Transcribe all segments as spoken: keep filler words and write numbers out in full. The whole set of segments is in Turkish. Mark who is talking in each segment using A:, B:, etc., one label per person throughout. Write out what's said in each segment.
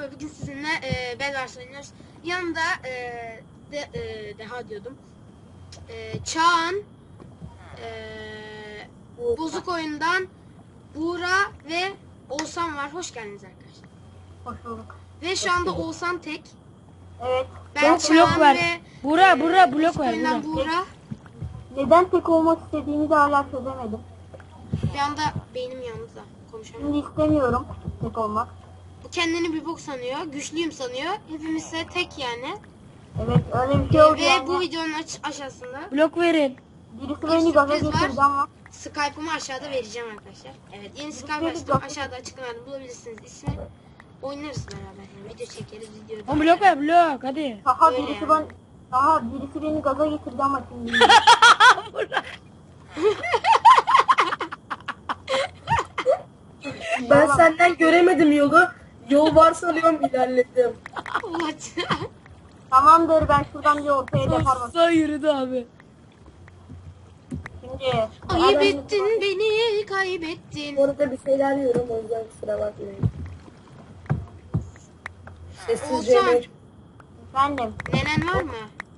A: Merhaba, bugün sizinle e, Bedwars oynuyoruz. Yanında e, de, e, Deha diyordum. E, Çağan, e, Bozuk Oyundan Buğra ve Oğuzhan var. Hoş geldiniz arkadaşlar.
B: Hoş bulduk.
A: Ve şu anda Oğuzhan tek.
B: Evet.
A: Ben
C: Blok
A: Çağan
C: ver.
A: ve
C: Buğra,
A: e,
C: Buğra, blok
A: Bozuk
C: ver,
A: Oyundan
C: Buğra.
A: Buğra.
B: Neden tek olmak istediğimi de hala çözemedim.
A: Bir anda beynim yandı da konuşamıyorum.
B: Şimdi istemiyorum tek olmak.
A: Bu kendini bir bok sanıyor. Güçlüyüm sanıyor. Hepimiz ise tek yani.
B: Evet öyle bir şey oldu
A: Ve
B: yani.
A: bu videonun aç- aşağısında
C: Blok verin.
B: Birisi
A: bir
B: beni gaza
A: sürpriz var.
B: getirdi ama.
A: Skype'ımı aşağıda vereceğim arkadaşlar. Evet, yeni Skype
B: Sürpriz
A: açtım.
B: yok.
A: Aşağıda açıklamada bulabilirsiniz ismi. Oynarız beraber. Yani video çekeriz, video.
C: Oğlum blok ver, blok hadi.
B: Daha
A: Öyle
B: birisi
A: yani.
B: ben daha birisi beni gaza getirdi ama şimdi.
D: Ben senden göremedim yolu. Yol var sanıyorum ilerledim.
A: What?
B: Tamamdır ben şuradan bir ortaya depar bak.
C: Sağ yürüdü abi.
B: Şimdi.
A: Kaybettin beni, kaybettin.
D: Bu arada bir şeyler yiyorum o yüzden kusura bakmayın. Sessizce
A: Oğuzhan.
D: yemek.
B: Efendim.
A: Nenen var mı?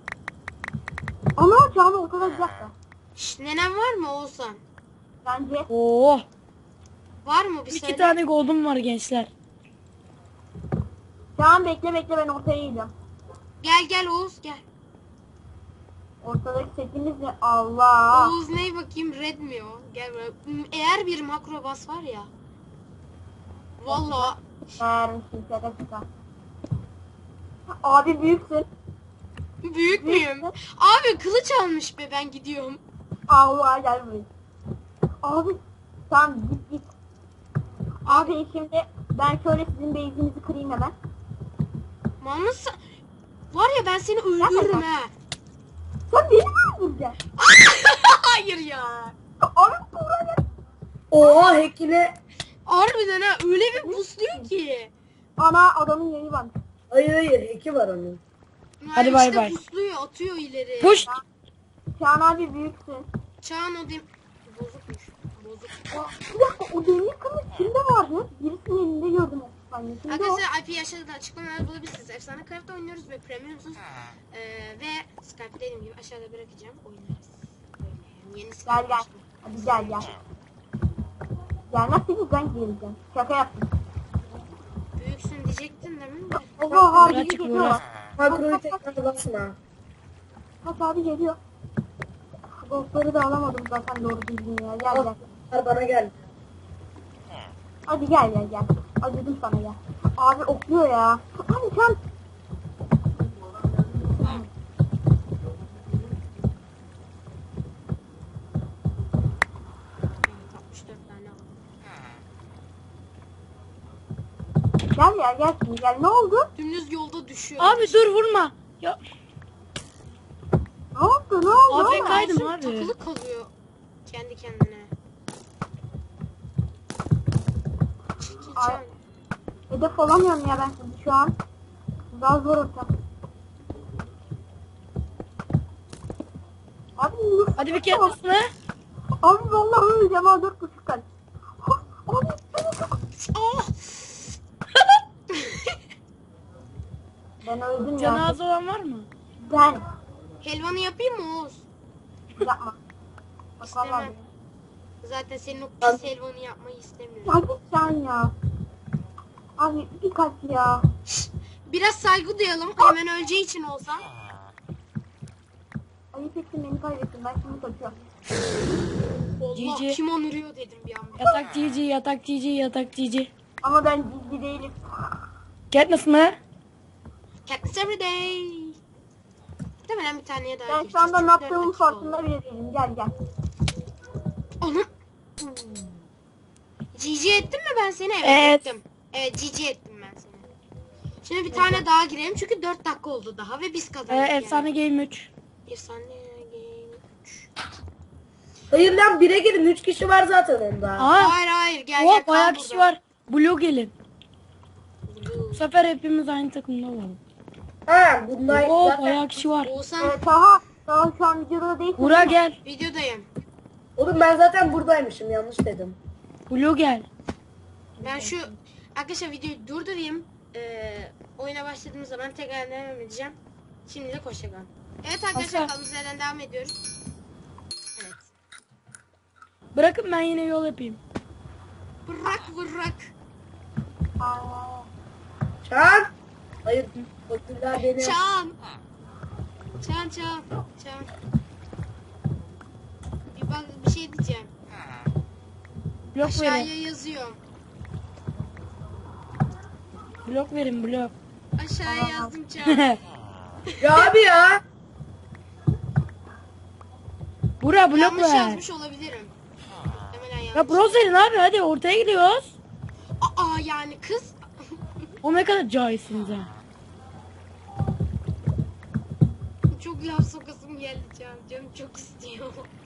B: Ama canı o kadar güzel.
A: Şş, nenen var mı Oğuzhan?
B: Bence.
C: Oo.
A: Var mı bir
C: İki
A: söyle.
C: tane gold'um var gençler.
B: Şu an bekle bekle ben ortaya gideceğim.
A: Gel gel Oğuz gel.
B: Ortadaki setimiz ne? Allah.
A: Oğuz ney bakayım, red mi o? Gel buraya. M- Eğer bir makro bas var ya. Vallahi
B: Vermişim şaka şaka. Abi büyüksün.
A: büyük müyüm? Abi kılıç almış be, ben gidiyorum.
B: Allah gel buraya. Abi tamam git git. Abi şimdi ben şöyle sizin base'inizi kırayım hemen.
A: Manlısı. Var ya, ben seni öldürürüm ha.
B: Sen beni mi öldüreceksin?
A: Hayır ya.
B: Abi buraya.
D: Oha hackine.
A: Harbiden ha, öyle bir busluyor ki.
B: Ana adamın yayı var.
D: Hayır hayır hacki var onun.
C: Hadi
A: Yani
C: bay
A: işte
C: bay.
A: busluyor, atıyor ileri.
C: Push.
B: Çağan abi büyüksün.
A: Çağın o dem... Bozukmuş. Bozuk.
B: Ya, bir dakika o demir kılıç kimde vardı? Birisinin elinde gördüm. Yani kimde o?
A: Arkadaşlar I P aşağıda açıklamalarda bulabilirsiniz. Efsane Craft'ta oynuyoruz ve premiumsuz. Ee, ve Skype'ı dediğim gibi aşağıda bırakacağım. Oynarız. Böyle yani yeni Skype
B: Gel gel.
A: açtım.
B: Hadi gel gel. Gelmezseniz ben geleceğim. Şaka yaptım.
A: Büyüksün diyecektin değil mi? De.
B: Allah abi
C: Birazcık
B: geliyor.
C: uğraş.
D: Makroyu tekrar basma.
B: Bak abi geliyor. Ghostları da alamadım zaten doğru düzgün ya. Gel gel.
D: Al bana gel.
B: Hadi gel gel gel. Acıdım sana gel. Abi okluyor ya. Abi sen.
A: Evet, altmış dört tane aldım.
B: Gel ya gel şimdi gel. Ne oldu?
A: Dümdüz yolda düşüyor.
C: Abi dur vurma. Ya
B: Ne oldu? Ne oldu?
C: Abi
B: oğlum?
C: kaydım
A: Oğuzhan
C: abi.
A: takılı kalıyor kendi kendine. Çekil
B: Ay.
A: Çağan.
B: Hedef olamıyorum ya ben sizi şu an. Daha zor ortam. Abi nasıl?
C: Hadi bir kere basma.
B: Abi vallahi öleceğim ha dört buçuk kalp. Abi beni çok...
A: Oh!
B: Ben öldüm ya.
C: Cenaze olan var mı?
B: Ben.
A: Helvanı yapayım mı Oğuz?
B: Yapma. Bak vallahi.
A: İstemem. Zaten senin o pis helvanı yapmayı istemiyorum.
B: Ya git sen ya. Abi bir kalp ya.
A: Biraz saygı duyalım. Hemen öleceği için olsa.
B: Ayıp ettin beni kaybettin. Ben şimdi kaçıyorum.
A: Allah,
C: Cici.
A: kim onarıyor dedim bir an.
C: Yatak G G, yatak G G, yatak G G.
B: Ama ben ciddi değilim.
C: Katniss mı?
A: Katniss everyday. Muhtemelen bir taneye daha
B: Ben
A: gireceğiz.
B: şu anda ne
A: Çünkü dört
B: yaptığımın
A: dakika oldu.
B: farkında bile değilim. Gel gel.
A: Onu... G G ettim mi ben seni? Evet,
C: Evet.
A: ettim. Evet, G G ettim ben seni. Şimdi bir tane daha girelim çünkü dört dakika oldu daha ve biz
C: Ee,
A: kazandık.
C: efsane game üç.
A: Yani. Efsane game üç.
D: Hayır lan bire girin üç kişi var zaten onda.
C: Aa.
A: Hayır hayır, gel
C: Oha
A: gel kal
C: bayağı kişi
A: burada.
C: var. Blue gelin.
A: Blue.
C: Bu sefer hepimiz aynı takımda olalım.
D: Ha bunlar
C: Oo
D: zaten.
C: bayağı kişi var.
A: Oğuzhan,
B: Ee, Taha. Taha şu an videoda değil.
C: Buğra gel.
A: videodayım.
D: Oğlum ben zaten buradaymışım yanlış dedim.
C: Blue gel.
A: Ben şu arkadaşlar videoyu durdurayım. Ee, oyuna başladığımız zaman tekrar devam edeceğim. Şimdilik hoşça kalın. Evet arkadaşlar,
C: Asla.
A: kaldığımız yerden devam ediyoruz. Evet.
C: Bırakın ben yine yol yapayım.
A: Bırak bırak.
B: Aa,
D: Çağan. Hayır. Bakırlar beni.
A: Çağan. Çağan Çağan. Çağan. Bir bak, bir şey diyeceğim.
C: Blok
A: Aşağıya
C: verin.
A: yazıyorum.
C: Blok verin blok.
A: Aşağıya yazdım Çağan.
D: Ya abi ya.
C: Bura blok
A: Yanlış
C: ver.
A: yazmış olabilirim. Hemen yanlış.
C: Ya bronz verin abi hadi ortaya gidiyoruz.
A: Aa yani kız.
C: O ne kadar cahilsiniz ha.
A: Çok laf sokasım geldi Can. Canım çok istiyor.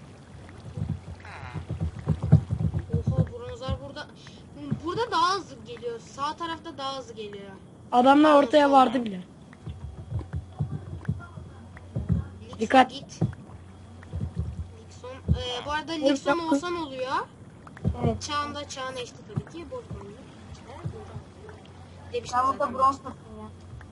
A: Oha, bronzlar burada. Burada daha hızlı geliyor. Sağ tarafta daha hızlı geliyor.
C: Adamlar ortaya vardı bile.
A: Lixon
C: Dikkat.
A: Git. Lixon. Ee, bu arada Lixon
C: Yok.
A: olsan oluyor.
B: evet.
A: Çağında Çağın eşti tabii ki. Bozmayın. Demiştim
B: Ben burada
A: zaten.
B: bronz takım ya.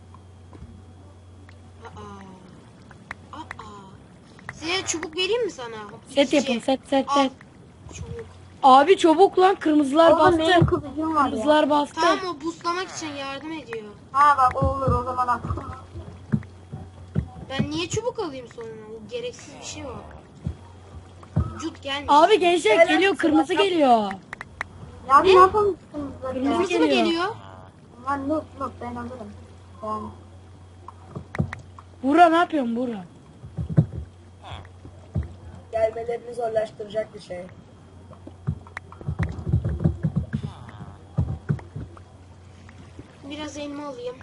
A: Aa. Aa. Size çubuk vereyim mi sana?
C: Set
A: İki
C: yapın
A: şey.
C: set set
A: Al.
C: set.
A: Çubuk.
C: Abi çabuk lan kırmızılar
B: Oğlum benim
C: bastı.
B: kılıcım var ya.
C: Kırmızılar bastı.
A: Tamam, o boostlamak için yardım ediyor.
B: Ha bak o olur o zaman aklım.
A: Ben niye çubuk alayım sonra? O gereksiz bir şey o. Cut gelmiş.
C: Abi gençler
D: Helal
C: geliyor
D: olsun,
C: kırmızı
D: yap.
C: geliyor.
B: Ya bir ne yapalım kızlar
C: Kırmızı
B: ya.
A: Nasıl mı
C: geliyor.
A: geliyor?
B: Lan not not ben alırım. Yani.
C: Bura ne yapıyorsun Bura?
D: Gelmelerini zorlaştıracak bir şey.
A: Biraz elma alayım.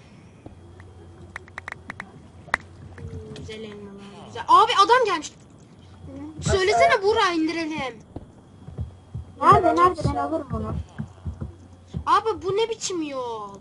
A: Hmm, güzel elmalar. Güzel. Abi adam gelmiş. Söylesene Buğra, indirelim.
B: Nerede nerede ben alırım onu.
A: Abi bu ne biçim yol?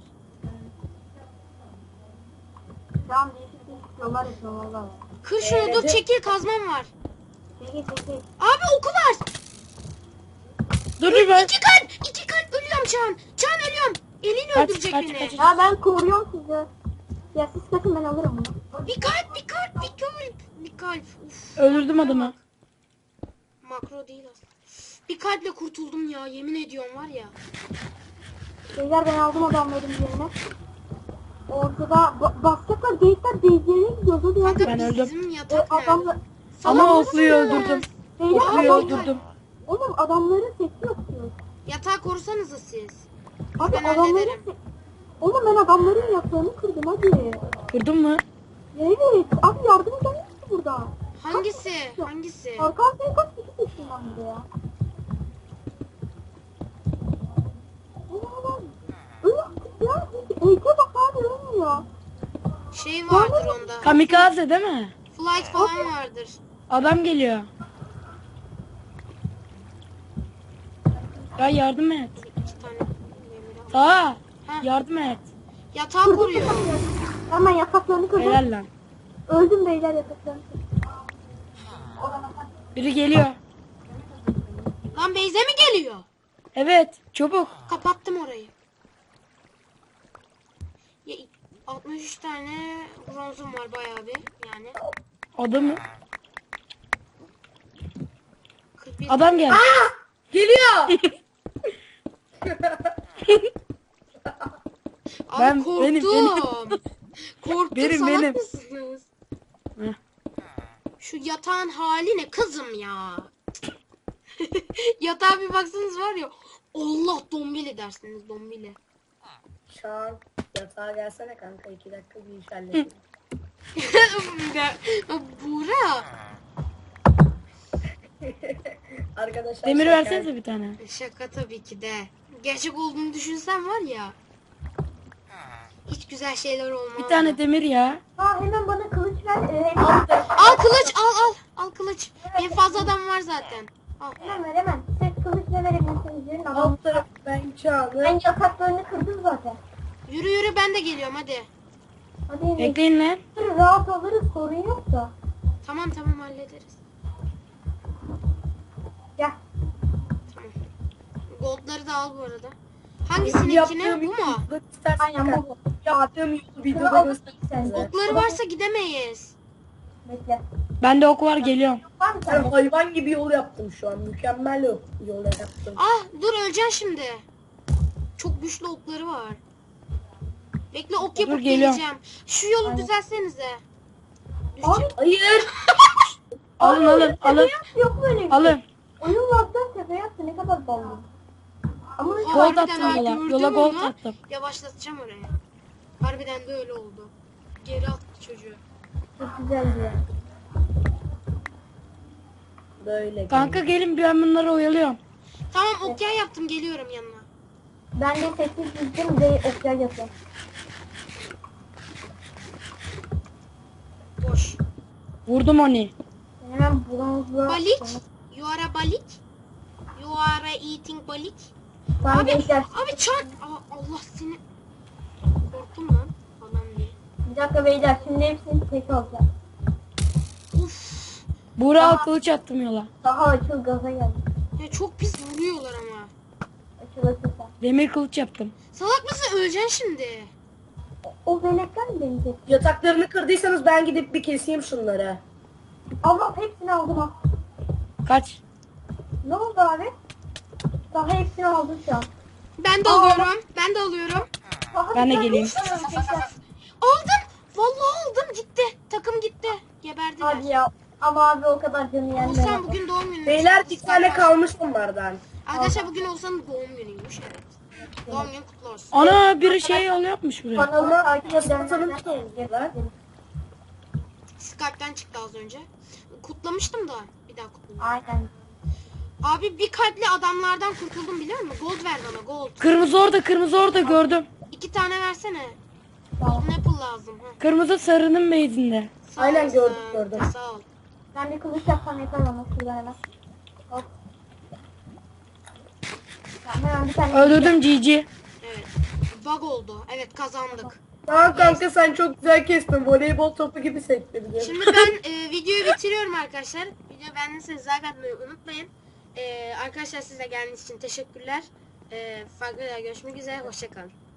B: Şu an değişik değişik yollar yapıyorum valla.
A: Kır şunu, dur çekil, kazmam var.
B: Çekil çekil.
A: Abi oku var.
C: Dur dur ben.
A: İki kalp, iki kalp, ölüyorum Çağan. Çağan ölüyorum. Eliyle
C: Kaç,
A: öldürecek
C: kaç,
A: beni.
C: kaç.
B: Ya ben koruyorum sizi. Ya siz kaçın ben alırım bunu.
A: Bir kalp, bir kalp, bir kalp, bir kalp. Uf.
C: Öldürdüm adamı.
A: Makro değil aslında. Bir kalple kurtuldum ya, yemin ediyorum var ya.
B: Beyler ben aldım adamların yerine. Ortada ba basacaklar geyikler base'lerine gidiyor. Hadi
A: Kanka
B: hadi.
C: Ben
A: bizim
C: öldüm.
B: E,
A: yatak nerede?
B: adamlar...
C: Ama
A: Salak
C: okluyu
A: mısınız?
C: öldürdüm.
B: Beyler
C: Okluyu
B: adamlar...
C: öldürdüm.
B: Oğlum adamların sesi yok diyor.
A: Yatağı korusanıza siz.
B: Abi
A: Ben
B: adamların
A: hallederim.
B: se... Oğlum ben adamların yaptığını kırdım hadi.
C: Kırdın mı?
B: Evet. Abi yardım eden yok ki burada.
A: Hangisi? Hangisi?
B: Arkan seni kaç kişi seçtim ben burada ya. Oğlum öyle yaptık ya. Eke bak abi ölmüyor.
A: Şey vardır onda.
C: Kamikaze değil mi?
A: Flight falan vardır.
C: Adam geliyor. Ya yardım et.
A: İki tane. demir al.
C: Sağa.
A: Ha.
C: Yardım et.
A: Yatağı koruyor.
B: Hemen yataklarını kırdım.
C: Helal lan.
B: Öldüm beyler yataklarını kırdım.
C: Biri geliyor.
A: Lan Beyze mi geliyor?
C: Evet. Çabuk.
A: Kapattım orayı. Ya, altmış üç tane bronzum var bayağı bir yani.
C: Adamı.
A: kırk bir
C: Adam geldi.
D: Geliyor.
A: Abi
C: Ben-
A: korktum.
C: benim,
A: Korktum,
C: Benim,
A: salak
C: benim.
A: mısınız?
C: Heh.
A: Şu yatağın hali ne kızım ya? Yatağa bir baksanız var ya. Allah, dombili dersiniz, dombili.
D: Çağan yatağa gelsene kanka. iki dakika bir iş halledelim.
A: Buğra.
D: Arkadaşlar
C: Demir
D: şaka-
C: versenize bir tane.
A: Şaka tabii ki de. Gerçek olduğunu düşünsem var ya. Hiç güzel şeyler olmaz.
C: Bir tane demir ya.
B: Ha hemen bana kılıç ver. E, hemen,
A: Al kılıç, al al. Al kılıç. Benim fazla adam var zaten. Al.
B: hemen ver hemen. Siz kılıç ne verebilirsiniz? Verin adam.
D: Alt taraf ben Çağan'ı.
B: Ben yataklarını kırdım zaten.
A: Yürü yürü, ben de geliyorum hadi.
B: Hadi
C: Bekleyin lan.
B: rahat alırız sorun yok da.
A: Tamam tamam, hallederiz.
B: Gel.
A: Tamam. Goldları da al bu arada. Hangisininkine,
D: Yaptığım
A: bu mu?
D: yolculuk istersen
B: Aynen
D: kanka.
B: bu.
D: yaptığım yolu
B: Şunu
D: videoda
B: al
D: göstereyim
B: sen.
D: size.
A: Okları varsa gidemeyiz.
B: Bekle.
C: Bende ok var, geliyorum.
B: Var mı
D: Ben
B: sende?
D: hayvan gibi yol yaptım şu an. Mükemmel yol, yol yaptım.
A: Ah dur öleceksin şimdi. Çok güçlü okları var. Bekle ok yapıp
C: geliyorum.
A: geleceğim. Şu yolu
B: Aynen.
A: düzelsenize.
B: Abi
A: Düşeceğim.
D: Hayır.
C: Alın alın alın.
B: yok böyle bir şey.
C: Alın.
B: Oyun lagdan tepeye attı ne kadar ballı. Ama
A: Aa,
C: Gold
A: harbiden
C: attım
A: ha,
C: yola.
A: gördüm
C: Yola gold
A: onu.
C: attım.
A: Yavaşlatacağım oraya. Harbiden de öyle oldu. Geri attı çocuğu.
B: çok güzeldi ya.
D: Böyle.
C: Kanka gelin, ben bunları oyalıyorum.
A: Tamam okya yaptım geliyorum yanına.
B: Ben de sessiz gittim de oklar yapıyorum.
A: Boş.
C: Vurdum onu.
B: Ben hemen bronzla...
A: Balik. You are a balik. You are eating balik.
B: Tamam
A: Abi,
B: gençler.
A: abi çarp. Aa, Allah seni. Korktum lan falan diye.
B: Bir dakika beyler şimdi hepsini tek alacağım.
A: Uf.
C: Buğra al, kılıç attım yola.
B: Daha açıl gaza geldi.
A: Ya çok pis vuruyorlar ama.
B: Açıl açıl sen.
C: Demir kılıç yaptım.
A: Salak mısın öleceksin şimdi.
B: O, o veletler mi beni tek?
D: Yataklarını kırdıysanız ben gidip bir keseyim şunları.
B: Allah hepsini aldım ha.
C: Kaç?
B: Ne oldu abi? Daha hepsini aldım şu an.
A: Ben de
B: Aa.
A: alıyorum. Ben de alıyorum.
B: Daha
C: Ben de
B: bir tane
C: geleyim.
B: istiyorum tekrar.
A: Aldım. Vallahi aldım gitti. Takım gitti. Geberdiler.
B: Hadi ya. Ama abi o kadar canı yenmedi.
A: Oğuzhan bugün doğum günü.
D: Beyler bir tane kalmış onlardan.
A: Arkadaşlar bugün Oğuzhan'ın doğum günüymüş. Evet. Doğum günü kutlu olsun.
C: Ana biri şey yol yapmış buraya.
B: Kanalı takip
D: Hasan'ın
B: edenler
D: tutuyorlar.
A: Skype'den çıktı az önce. Kutlamıştım da. Bir daha kutlayayım.
B: Aynen.
A: Abi bir kalpli adamlardan kurtuldum biliyor musun? Gold ver bana gold.
C: Kırmızı orada, kırmızı orada gördüm.
A: İki tane versene.
B: Tamam.
A: Golden apple lazım. Ha.
C: Kırmızı sarının base'inde.
A: Sağ
D: Aynen,
A: olasın.
D: gördüm, gördüm.
A: Sağ ol.
B: Ben de kılıç yapsam yeter bana şurada hemen. Hop. Tamam, hemen bir tane.
C: Öldürdüm G G.
A: Evet. Bug oldu. Evet kazandık.
D: Tamam kanka sen çok güzel kestin. Voleybol topu gibi sektirdin.
A: Şimdi ben e, videoyu bitiriyorum arkadaşlar. Video beğendiyseniz like atmayı unutmayın. E, arkadaşlar size geldiğiniz için teşekkürler. E, farklı videoda görüşmek üzere. Hoşçakalın.